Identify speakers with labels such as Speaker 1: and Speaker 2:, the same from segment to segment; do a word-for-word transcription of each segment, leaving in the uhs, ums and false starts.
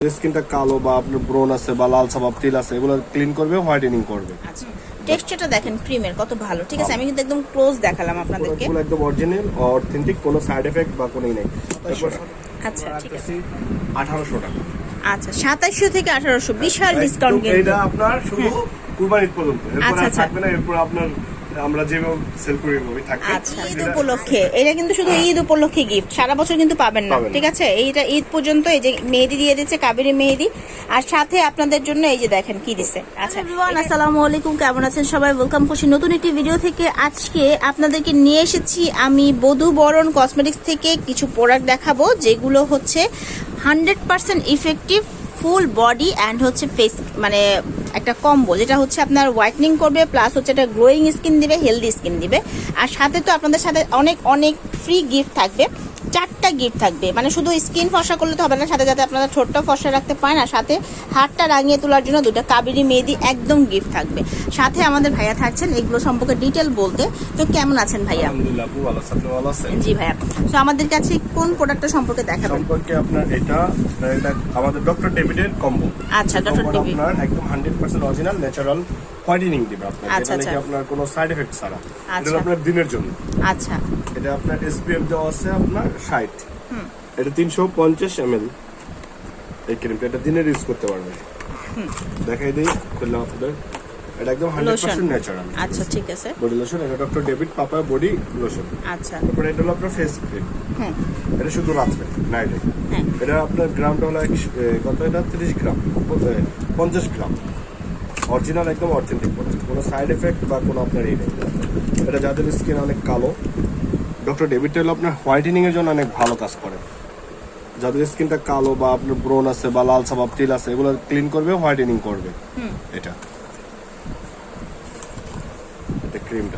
Speaker 1: স্কিনটা কালো বা আপনার ব্রন আছে বা লাল সাবাব তিল আছে এগুলো ক্লিন করবে, হোয়াইটেনিং করবে।
Speaker 2: আচ্ছা, টেক্সচারটা দেখেন ক্রিমের কত ভালো। ঠিক আছে, আমি কিন্তু একদম ক্লোজ দেখালাম আপনাদেরকে।
Speaker 1: পুরো একদম অরিজিনাল অথেন্টিক, কোনো সাইড এফেক্ট বা কোনোই নাই।
Speaker 2: আচ্ছা ঠিক আছে,
Speaker 1: আঠারোশো টাকা।
Speaker 2: আচ্ছা সাতাশশো থেকে আঠারোশো, বিশাল ডিসকাউন্ট কিন্তু।
Speaker 1: এটা আপনার শুধু কুরবানির পর্যন্ত, এরপর
Speaker 2: আচ্ছা,
Speaker 1: আর
Speaker 2: আচ্ছা।
Speaker 1: থাকবে না। এরপর আপনার আমরা যেভাবে সেল করি ওই থাকবে।
Speaker 2: আচ্ছা, ঈদ উপলক্ষে এটা কিন্তু শুধু ঈদ উপলক্ষে গিফট, সারা বছর কিন্তু পাবেন না।
Speaker 1: পাবেন না।
Speaker 2: ঠিক আছে, এইটা ঈদ পর্যন্ত। এই যে মেহেদি দিয়ে দিচ্ছে, কাবেরী মেহেদি, আর সাথে আপনাদের জন্য এই যে দেখেন কি দিচ্ছে। আচ্ছা এভরিওয়ান, আসসালামু আলাইকুম, কেমন আছেন সবাই? ওয়েলকাম করছি নতুন একটি ভিডিও থেকে। আজকে আপনাদেরকে নিয়ে এসেছি আমি বধূ বরণ কসমেটিক্স থেকে কিছু প্রোডাক্ট দেখাবো, যেগুলো হচ্ছে hundred percent effective full body and হচ্ছে ফেস, মানে একটা কম্বো, যেটা হচ্ছে আপনার হোয়াইটনিং করবে, প্লাস হচ্ছে একটা গ্লোয়িং স্কিন দিবে, হেলদি স্কিন দিবে। আর সাথে তো আপনাদের সাথে অনেক অনেক ফ্রি গিফট থাকবে, চারটা গিফট থাকবে। মানে শুধু স্কিন ফর্সা করলে তো হবে না, সাথে যাতে আপনারা ঠোঁটটা ফর্সা রাখতে পারেন, আর সাথে হাতটা রাঙিয়ে তোলার জন্য দুটো কাবেরী মেহেদি একদম গিফট থাকবে। সাথে আমাদের ভাইয়া থাকছেন এগুলো সম্পর্কে ডিটেল বলতে। তো কেমন আছেন ভাইয়া?
Speaker 1: আলহামদুলিল্লাহ, আপু ভালো আছেন? ভালো আছেন?
Speaker 2: জি ভাইয়া। তো আমাদের কাছে কোন প্রোডাক্টটা সম্পর্কে দেখাবেন?
Speaker 1: সম্পর্কে আপনার এটা এটা আমাদের ডক্টর ডেভিডের কম্বো।
Speaker 2: আচ্ছা, ডক্টর ডেভিড
Speaker 1: আপনার একদম hundred percent original natural whitening দিবে আপনার।
Speaker 2: আচ্ছা,
Speaker 1: এটা নাকি
Speaker 2: আচ্ছা।
Speaker 1: আপনার কোনো সাইড এফেক্ট ছাড়া। এটা
Speaker 2: আচ্ছা।
Speaker 1: আপনার দিনের জন্য।
Speaker 2: আচ্ছা,
Speaker 1: এটা আপনার এসপিএফ দেওয়া আছে আপনার ষাট। এটা তিনশো পঞ্চাশ এমএল এই ক্রিমটা, এটা দিনের ইউজ করতে পারবে। দেখাই দিই খুললাম আপনাদের। এটা একদম হান্ড্রেড পার্সেন্ট ন্যাচারাল।
Speaker 2: আচ্ছা ঠিক আছে।
Speaker 1: বডি লোশন, এটা doctor David papa body lotion.
Speaker 2: আচ্ছা,
Speaker 1: তারপরে এটা হলো আপনার ফেস ক্রিম।
Speaker 2: হুম,
Speaker 1: এটা শুধু রাত্রে, নাইটে।
Speaker 2: হ্যাঁ,
Speaker 1: এটা আপনার গ্রামটা হলো এক- এ, কত, এটা তিরিশ গ্রাম, এ, পঞ্চাশ গ্রাম। অরিজিনাল একদম অথেন্টিক প্রোডাক্ট, কোনো সাইড এফেক্ট বা কোনো আপনার এই নেই। এটা যাদের স্কিন অনেক কালো, ডক্টর ডেভিডটা হলো আপনার হোয়াইটেনিং এর জন্য অনেক ভালো কাজ করে। যাদের স্কিনটা কালো বা আপনার ব্রন আছে বা লাল সাবাব তিল আছে এগুলো ক্লিন করবে, হোয়াইটেনিং করবে।
Speaker 2: হুম,
Speaker 1: এটা এটা ক্রিমটা।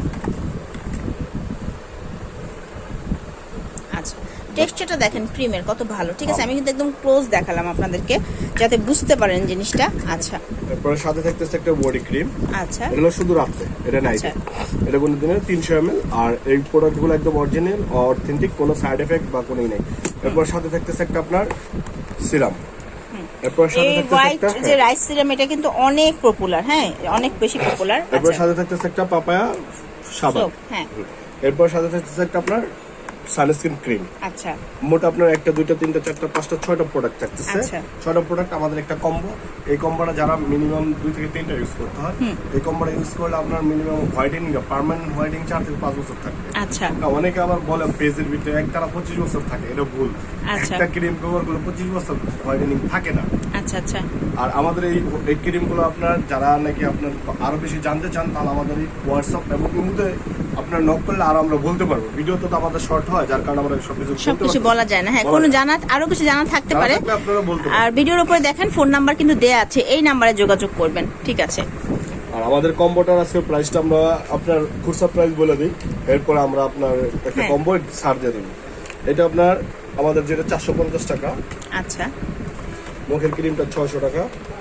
Speaker 2: আচ্ছা টেক্সচারটা দেখেন ক্রিমের কত ভালো। ঠিক আছে, আমি কিন্তু একদম ক্লোজ দেখালাম আপনাদেরকে যাতে বুঝতে পারেন জিনিসটা। আচ্ছা,
Speaker 1: এরপরে সাথে থাকতেছে একটা বডি ক্রিম।
Speaker 2: আচ্ছা,
Speaker 1: এটা হলো শুধু রাত্রে, এটা নাইটে। এটা কোনো দিনের তিনশো এমএল। আর এই প্রোডাক্টগুলো একদম অরিজিনাল অথেন্টিক, কোনো সাইড এফেক্ট বা কোনোই নেই। এরপর সাথে থাকতেছে একটা আপনার সিরাম। এরপর সাথে
Speaker 2: এই
Speaker 1: থাকতেছে
Speaker 2: হোয়াইট
Speaker 1: একটা
Speaker 2: যে রাইস সিরাম, এটা কিন্তু অনেক পপুলার, হ্যাঁ অনেক বেশি পপুলার।
Speaker 1: এরপর
Speaker 2: আচ্ছা,
Speaker 1: সাথে থাকতেছে একটা পাপায়া সাবান।
Speaker 2: soap, হ্যাঁ,
Speaker 1: এরপর সাথে থাকতেছে একটা আপনার সানস্ক্রিন ক্রিম।
Speaker 2: আচ্ছা,
Speaker 1: মোট আপনার একটা দুইটা তিনটা চারটা পাঁচটা ছয়টা প্রোডাক্ট থাকতেছে।
Speaker 2: আচ্ছা।
Speaker 1: ছয়টা প্রোডাক্ট আমাদের একটা কম্বো। এই কম্বোটা যারা মিনিমাম দুই থেকে তিনটা ইউজ করতে হয়, এই কম্বোটা ইউজ করলে আপনার মিনিমাম হোয়াইটেনিং, পার্মানেন্ট হোয়াইটেনিং চার থেকে পাঁচ বছর থাকবে।
Speaker 2: আচ্ছা,
Speaker 1: না, অনেকে আবার বলে পেজের ভিতরে এক তারা পঁচিশ বছর থাকে, এটা ভুল।
Speaker 2: আচ্ছা।
Speaker 1: একটা ক্রিম ব্যবহার করলে পঁচিশ বছর হোয়াইটেনিং থাকে না।
Speaker 2: আচ্ছা, আচ্ছা,
Speaker 1: আর আমাদের এই এই ক্রিমগুলো আপনার যারা নাকি আপনার আরো বেশি জানতে চান, তাহলে আমাদের এই হোয়াটসঅ্যাপ এবং ইমুতে আপনার নক করলে আর আমরা বলতে পারবো। ভিডিওতে তো আমাদের শর্ট হয়, যার কারণে আমরা সবকিছু
Speaker 2: সবকিছু বলা যায় না। হ্যাঁ, কোনো জানা আরো কিছু জানা থাকতে পারে।
Speaker 1: আপনারা বলতে পারেন।
Speaker 2: আর ভিডিওর উপরে দেখেন ফোন নাম্বার কিন্তু দেয়া আছে, এই নাম্বারে যোগাযোগ করবেন। ঠিক আছে,
Speaker 1: আর আমাদের কম্বোটার আজকে প্রাইসটা আমরা আপনার খুচরা প্রাইস বলে দিই, এরপর আমরা আপনার একটা
Speaker 2: হ্যাঁ।
Speaker 1: কম্বো ছাড় দিয়ে দেবো। এটা আপনার আমাদের যেটা চারশো পঞ্চাশ টাকা,
Speaker 2: আচ্ছা,
Speaker 1: মুখের ক্রিমটা ছয়শো টাকা,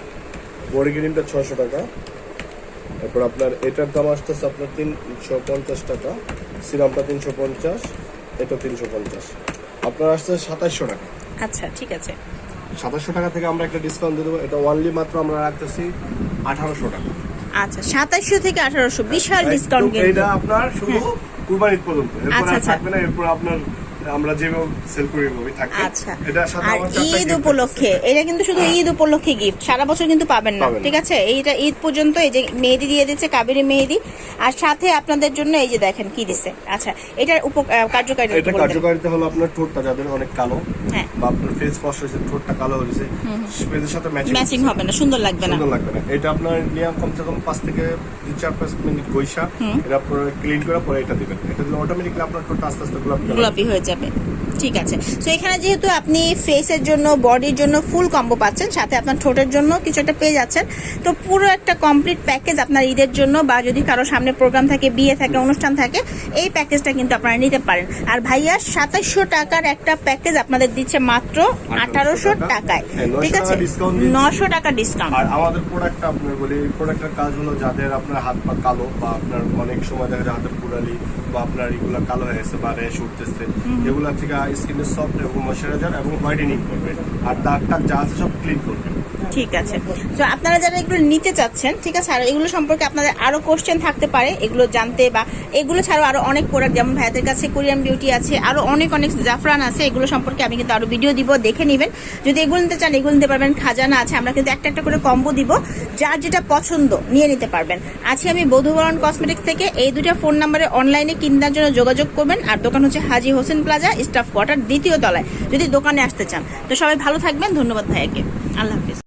Speaker 1: বডি ক্রিমটা ছয়শো টাকা। এরপর আপনার এটার দাম আসতেছে আপনার তিনশো পঞ্চাশ টাকা, সিরামটা তিনশো পঞ্চাশ, এটা তিনশো পঞ্চাশ, আপনার আসছে সাতাশশো টাকা।
Speaker 2: আচ্ছা ঠিক আছে,
Speaker 1: সাতাশশো টাকা থেকে আমরা একটা ডিসকাউন্ট দিয়ে দেবো। এটা ওয়ানলি মাত্র আমরা রাখতেছি আঠারোশো টাকা।
Speaker 2: আচ্ছা সাতাশশো থেকে আঠারোশো, বিশাল ডিসকাউন্ট
Speaker 1: একদম,
Speaker 2: কিন্তু।
Speaker 1: এটা আপনার শুধু কুরবানির পর্যন্ত, এরপর
Speaker 2: আচ্ছা,
Speaker 1: আর
Speaker 2: আচ্ছা।
Speaker 1: থাকবে না। এরপর আপনার আমরা যেভাবে সেল করি ওই থাকবে।
Speaker 2: আচ্ছা,
Speaker 1: এটা সাথে
Speaker 2: আর
Speaker 1: আমার চারটা
Speaker 2: ঈদ
Speaker 1: gift
Speaker 2: উপলক্ষে
Speaker 1: থাকতেছে।
Speaker 2: এটা কিন্তু শুধু ঈদ উপলক্ষে গিফট, সারা বছর কিন্তু পাবেন না।
Speaker 1: পাবেন না।
Speaker 2: ঠিক আছে, এইটা ঈদ পর্যন্ত। এই যে মেহেদি দিয়ে দিচ্ছে, কাবেরী মেহেদি, আর সাথে আপনাদের জন্য এই যে দেখেন কি দিচ্ছে। আচ্ছা, এটার উপ- আহ, কার্যকারিতা
Speaker 1: এটা
Speaker 2: একটু বলবেন?
Speaker 1: কার্যকারিতা হলো আপনার ঠোঁটটা যাদের অনেক কালো,
Speaker 2: হ্যাঁ,
Speaker 1: বা আপনার ফেস ওয়াশ হয়েছে, ঠোঁটটা কালো হয়েছে, ফেসের সাথে ম্যাচিং
Speaker 2: ম্যাচিং হবে না, সুন্দর লাগবে না।
Speaker 1: সুন্দর লাগবে না। এটা আপনার নিয়ম কমসে কম পাঁচ থেকে দুই চার পাঁচ মিনিট গৈসা এটা আপনার ক্লিন করে পরে এটা দিবেন। এটা দিলে অটোমেটিকলি আপনার ঠোঁটটা আস্তে আস্তে গোলাপি কালার
Speaker 2: গোলাপি হয়ে যাবে। ঠিক আছে, তো এখানে যেহেতু আপনি ফেসের জন্য, বডির জন্য ফুল কম্বো পাচ্ছেন, সাথে আপনার ঠোঁটের জন্য কিছু একটা পেয়ে যাচ্ছেন। তো পুরো একটা কমপ্লিট প্যাকেজ আপনার ঈদের জন্য, বা যদি কারো সামনে প্রোগ্রাম থাকে, বিয়ে থাকে, অনুষ্ঠান থাকে, এই প্যাকেজটা কিন্তু আপনারা নিতে পারেন। আর ভাইয়া সাতাশশো টাকার একটা প্যাকেজ আপনাদের দিচ্ছে মাত্র আঠারোশো টাকায়। ঠিক আছে, নশো টাকা ডিসকাউন্ট।
Speaker 1: আর আমাদের প্রোডাক্টটা আপনার বলি, এই প্রোডাক্টের কাজ হলো যাদের আপনার হাত পা কালো, বা আপনার অনেক সময় দেখা যায় হাতের পুরালি বা আপনার এগুলা কালো হয়ে গেছে বা র্যাশ উঠতেছে, এগুলা থেকে স্কিনের সফট এবং ময়শ্চারাইজার এবং হোয়াইটেনিং করবে, আর দাগ টাগ যা আছে সব ক্লিন করবে।
Speaker 2: ঠিক আছে, তো আপনারা যারা এগুলো নিতে চাচ্ছেন, ঠিক আছে, আর এগুলো সম্পর্কে আপনাদের আরো কোশ্চেন থাকতে পারে এগুলো জানতে, বা এগুলো ছাড়াও আরো অনেক প্রোডাক্ট যেমন ভাইয়াদের কাছে কোরিয়ান বিউটি আছে, আরো অনেক অনেক জাফরান আছে, এগুলো সম্পর্কে আমি কিন্তু আরো ভিডিও দিব, দেখে নেবেন। যদি এগুলো নিতে চান এগুলো নিতে পারবেন। খাজানা আছে, আমরা কিন্তু একটা একটা করে কম্বো দিব, যার যেটা পছন্দ নিয়ে নিতে পারবেন। আছি আমি বধুবরণ কসমেটিক্স থেকে। এই দুইটা ফোন নাম্বারে অনলাইনে কিনার জন্য যোগাযোগ করবেন। আর দোকান হচ্ছে Haji Hossain plaza, staff quarter, দ্বিতীয় তলায়, যদি দোকানে আসতে চান। তো সবাই ভালো থাকবেন, ধন্যবাদ ভাইয়াকে, আল্লাহ হাফিজ।